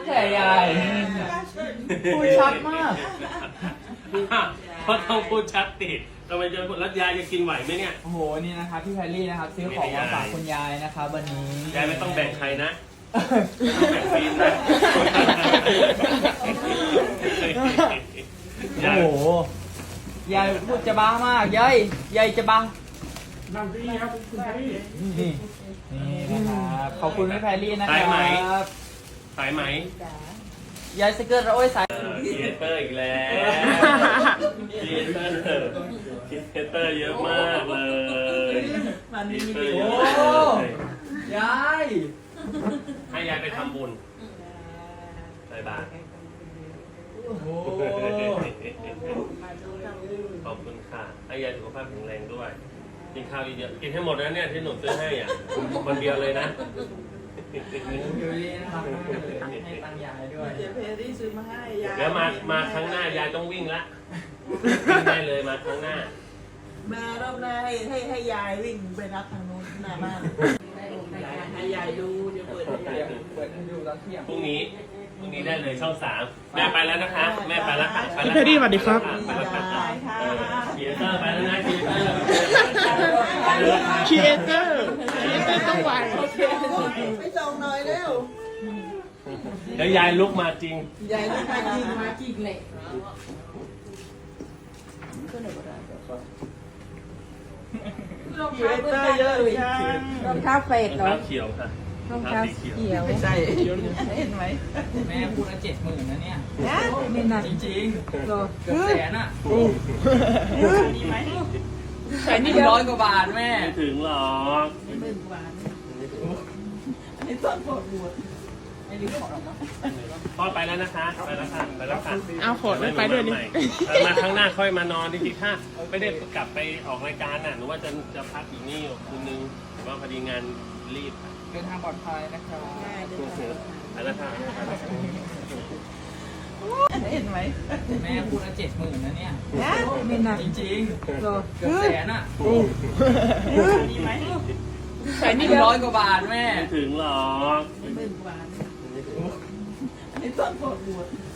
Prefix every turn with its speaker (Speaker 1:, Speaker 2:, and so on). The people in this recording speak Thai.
Speaker 1: แผ่ยายพูดชัดมาก
Speaker 2: เพราะต้องพูดชัดติดทำไมจะแล้วยายจะกินไหวไหมเนี่ย
Speaker 1: โอ้โหนี่นะครับพี่แพรรี่นะครับซื้อของมาฝากคุณยายนะครับวันนี้
Speaker 2: ยายไม่ต้องแบ่งใครนะต้องแบ่งฟีนนะ
Speaker 1: โอ้โหยายพูดจะบ้ามากยายจะบ้า
Speaker 3: นั่งที่ครับคุณพี่
Speaker 1: นี่นะครับขอบคุณพี่แพรรี่นะค
Speaker 2: สายไหม
Speaker 1: รับ
Speaker 2: สายไหม
Speaker 1: ยายสเกิร์ตโอ้ยสาย
Speaker 2: ครีเอเตอร์อีกแล้วครีเอเตอร์เยอะมากเลยครีเอเตอร์เย
Speaker 1: โอ้
Speaker 2: อะมากเลย
Speaker 1: ยาย
Speaker 2: ให้ยายไปทำบุญใส่บาตร
Speaker 1: โอ้โห
Speaker 2: ขอบคุณค่ะให้ยายสุขภาพแข็งแรงด้วยกินข้าวเยอะๆกินให้หมดนะเนี่ยที่หนูซื้อให้อ่ะคนเดียวเลยนะ
Speaker 1: อยู่ดีนะครับให้ตังค์ยายด้วย
Speaker 4: เดี๋ยวเพรี่ซื้อมาให้ยาย
Speaker 2: แล้วมาครั้งหน้ายายต้องวิ่งละวิ่งได้เลยมาครั้งหน้าม
Speaker 4: ารอบหน้าให้ยายวิ่งไปรับทางนู้นหน้าบ้านให้ยายดูเดี๋ยวเปิดให้ยายดู
Speaker 1: เปิดให้ดูตอนเที่ยง
Speaker 2: พรุ่งนี้ได้เลยช่อง3แม่ไปแล้วนะคะแม่ไปแล้วค่ะไปแล้ว
Speaker 3: พี่แพรรี่สวัสดีครับ
Speaker 2: ไปแล้วค่ะ
Speaker 4: ยายค่ะ
Speaker 2: ครีเอเตอร์ไปแล้วนะครีเอเตอร์
Speaker 3: ครีเอเตอร์ต้องไว
Speaker 4: ไปส่งหน่อยเร็ว
Speaker 2: เดี๋ยวยายลุกมาจริง
Speaker 4: ยายต้องไปยิงมาจริงเลย
Speaker 5: รอง
Speaker 4: เย
Speaker 5: เท้า
Speaker 4: อะ
Speaker 5: เบอร์
Speaker 4: เยอะเลย
Speaker 5: รองเท้าเฟดเหรอ
Speaker 2: น้ำเขียวค่ะ
Speaker 5: รองเท้า
Speaker 2: สีเขียว
Speaker 5: เขียว
Speaker 4: ไม่ใช่เห็นไหม
Speaker 1: แม่พูดละ70,000นะเนี่ย
Speaker 5: ไม่หนัก
Speaker 1: จริง
Speaker 5: หรอ
Speaker 1: ๆเกือบแสนอ่ะ
Speaker 4: มีไหม
Speaker 1: แสน100 กว่าบาทแม่
Speaker 2: ไม่ถึงหรอก
Speaker 4: หมื่นกว่าอันนี้ตอนปวดหัว
Speaker 1: ไม่รีบขอหรอกเนาะ
Speaker 2: พ่อไปแล้วนะคะไปแล้วค่ะไปแล้วค่ะ
Speaker 3: เอาโขดไม่ไปด้วยนี่
Speaker 2: มาครั้งหน้าค่อยมานอนจริงๆถ้าไม่ได้กลับไปออกรายการน่ะหนูว่าจะพักอยู่นี่คืนนึงแต่ว่าพอดีงานรีบ
Speaker 1: เดินทางปลอดภัยนะครับ
Speaker 2: ไปแล้วค่ะ
Speaker 4: เห็นไหม
Speaker 1: แม่พูดละ70,000นะเนี่ย
Speaker 5: ไม่หนัก
Speaker 1: จริง
Speaker 5: หรอ
Speaker 1: ๆเกือบแสนอ่ะ
Speaker 4: มีไหม
Speaker 1: แสน100 กว่าบาทแม่
Speaker 2: ไม่ถึงหรอก
Speaker 4: หมื่นกว่าอันนี้ตอนปวดหัว